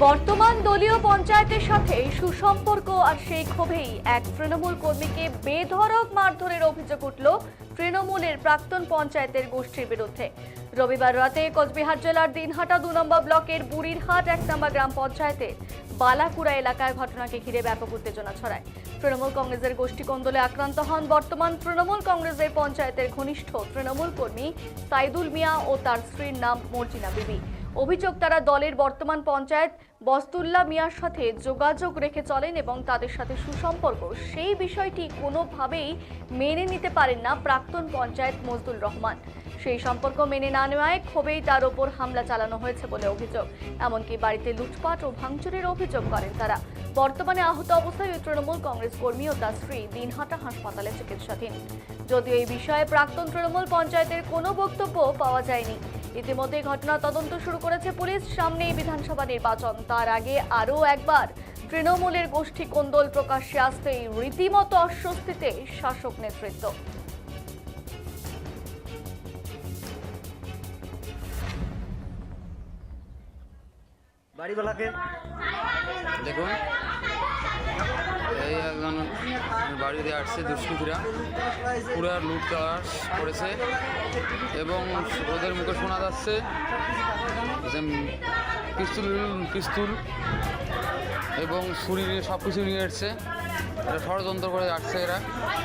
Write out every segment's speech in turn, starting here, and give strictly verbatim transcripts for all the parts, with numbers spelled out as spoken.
বর্তমান দলীয় পঞ্চায়েতের সাথে সুসম্পর্ক আর সেই ক্ষোভেই এক তৃণমূল কর্মীকে বেধড়ক মারধরের অভিযোগ উঠল তৃণমূলের প্রাক্তন পঞ্চায়েতের গোষ্ঠীর বিরুদ্ধে। রবিবার রাতে কোচবিহার জেলার দিনহাটা দু নম্বর ব্লকের বুড়িরহাট এক নম্বর গ্রাম পঞ্চায়েতের বালাকুড়া এলাকার ঘটনাকে ঘিরে ব্যাপক উত্তেজনা ছড়ায়। তৃণমূল কংগ্রেসের গোষ্ঠী কোন্দলে আক্রান্ত হন বর্তমান তৃণমূল কংগ্রেসের পঞ্চায়েতের ঘনিষ্ঠ তৃণমূল কর্মী সাইদুল মিয়া ও তার স্ত্রীর নাম মর্জিনা বিবি। অভিযোগ, তারা দলের বর্তমান পঞ্চায়েত বস্তুল্লাহ মিয়ার সাথে যোগাযোগ রেখে চলেন এবং তাদের সাথে সুসম্পর্ক, সেই বিষয়টি কোনোভাবেই মেনে নিতে পারেন না প্রাক্তন পঞ্চায়েত মজদুর রহমান। সেই সম্পর্ক মেনে না নেওয়ায় ক্ষোভেই তার ওপর হামলা চালানো হয়েছে বলে অভিযোগ। এমনকি বাড়িতে লুটপাট ও ভাঙচুরের অভিযোগ করেন তারা। বর্তমানে আহত অবস্থায় ওই তৃণমূল কংগ্রেস কর্মী ও তার স্ত্রী দিনহাটা হাসপাতালে চিকিৎসাধীন। যদিও এই বিষয়ে প্রাক্তন তৃণমূল পঞ্চায়েতের কোনো বক্তব্য পাওয়া যায়নি। ইতিমধ্যে ঘটনা তদন্ত শুরু করেছে পুলিশ। সামনেই বিধানসভা নির্বাচন, তার আগে আরও একবার তৃণমূলের গোষ্ঠী কোন্দল প্রকাশ্যে আসতেই রীতিমতো অস্বস্তিতে শাসক নেতৃত্ব। বাড়িওয়ালাকে দেখুন, এই একজন বাড়িতে আসছে দুষ্কৃতীরা, পুরো লুটতরাস করেছে এবং ওদের মুখে শোনা যাচ্ছে যে পিস্তুল পিস্তুল এবং ছুরি নিয়ে সব কিছু নিয়ে এসছে। এটা ষড়যন্ত্র করে আসছে এরা।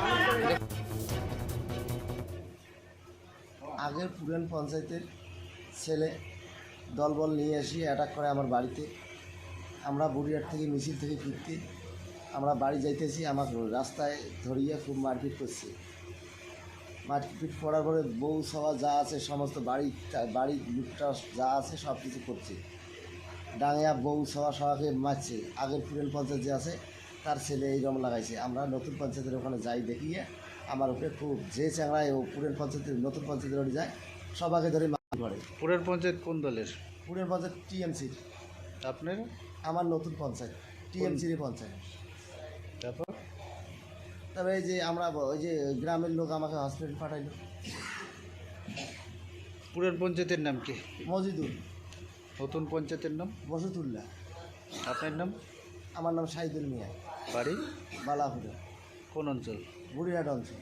আগের পুরান পঞ্চায়েতের ছেলে দলবল নিয়ে এসে অ্যাটাক করে আমার বাড়িতে। আমরা বুড়িহাট থেকে মিছিল থেকে ফিরতে আমরা বাড়ি যাইতেছি, আমার রাস্তায় ধরিয়ে খুব মারপিট করছে। মারপিট করার পরে বউ সবা যা আছে সমস্ত বাড়ি বাড়ির লুটটা যা আছে সব কিছু করছে। ডাঙিয়া বউ সবা সবাকে মারছে। আগের পুরান পঞ্চায়েত যে আছে তার ছেলে এই রকম লাগাইছে। আমরা নতুন পঞ্চায়েতের ওখানে যাই, দেখিয়ে আমার উপরে খুব যে চ্যাংড়ায় ও পুরান পঞ্চায়েতের নতুন পঞ্চায়েতের ওখানে যায়, সবাইকে ধরে করে। পুরের পঞ্চায়েত কোন দলের? পুরের পঞ্চায়েত টিএমসির। আপনার? আমার নতুন পঞ্চায়েত টিএমসির পঞ্চায়েত। তারপর তবে এই যে আমরা ওই যে গ্রামের লোক আমাকে হসপিটাল পাঠাইলো। পুরের পঞ্চায়েতের নাম কি? মজিদুল। নতুন পঞ্চায়েতের নাম? বসতুল্লাহ। আপনার নাম? আমার নাম সাইদুল মিয়া। বাড়ি? বালাপুরে। কোন অঞ্চল? বুড়িহাট অঞ্চল।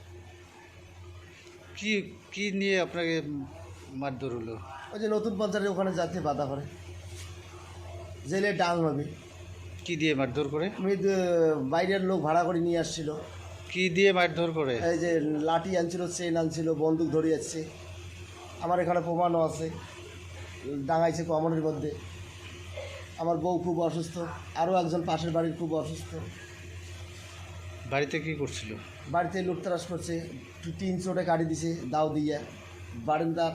কি কি নিয়ে আপনাকে মারধর হলো? ওই যে নতুন পঞ্চায়েতের ওখানে যাতে বাধা করে, জেলে ডাং হবে। কি দিয়ে মারধর করে? আমি বাইরের লোক ভাড়া করে নিয়ে আসছিল। কি দিয়ে মারধর করে? এই যে লাঠি আনছিল, চেন আনছিল, বন্দুক ধরে যাচ্ছে। আমার এখানে প্রমাণও আছে, ডাঙাইছে কমনের মধ্যে। আমার বউ খুব অসুস্থ, আরও একজন পাশের বাড়ির খুব অসুস্থ। বাড়িতে কি করছিল? বাড়িতে লুটতরাস করছে, তিন চোটে কাটি দিছে দাও দিয়ে বারান্দার।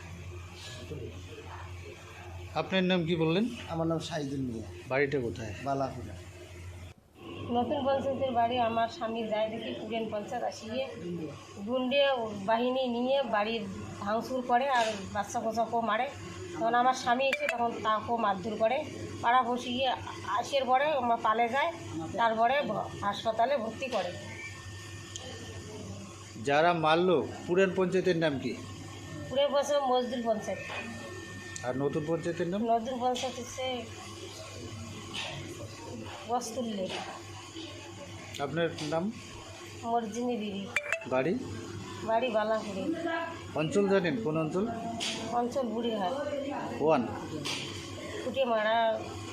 আপনার নাম কি বললেন? আমার নাম সাইদুল মিয়া। বাড়িটা কোথায়? বালাপুরা। নতুন পঞ্চায়েতের বাড়ি আমার স্বামী যায় দেখি পুরান পঞ্চায়েত আসিয়ে গুন্ডে বাহিনী নিয়ে বাড়ির ভাঙচুর করে আর বাচ্চা কোচাকেও মারে। তখন আমার স্বামী এসে তখন তাকেও মারধর করে, পাড়া বসিয়ে আসের পরে আমরা পালে যায়, তারপরে হাসপাতালে ভর্তি করে। যারা মারলো পুরান পঞ্চায়েতের নাম কি? পুরে বছর মজদুর পঞ্চায়েত। আর নতুন পঞ্চায়েতের নাম? নতুন পঞ্চায়েত হচ্ছে বস্তুল্লে। আপনার নাম? মর্জিনী বিবি। বাড়ি? বাড়ি বালাপুরে। অঞ্চল জানেন? কোন অঞ্চল? অঞ্চল বুড়িহাট। ওয়ান ফুটে মারা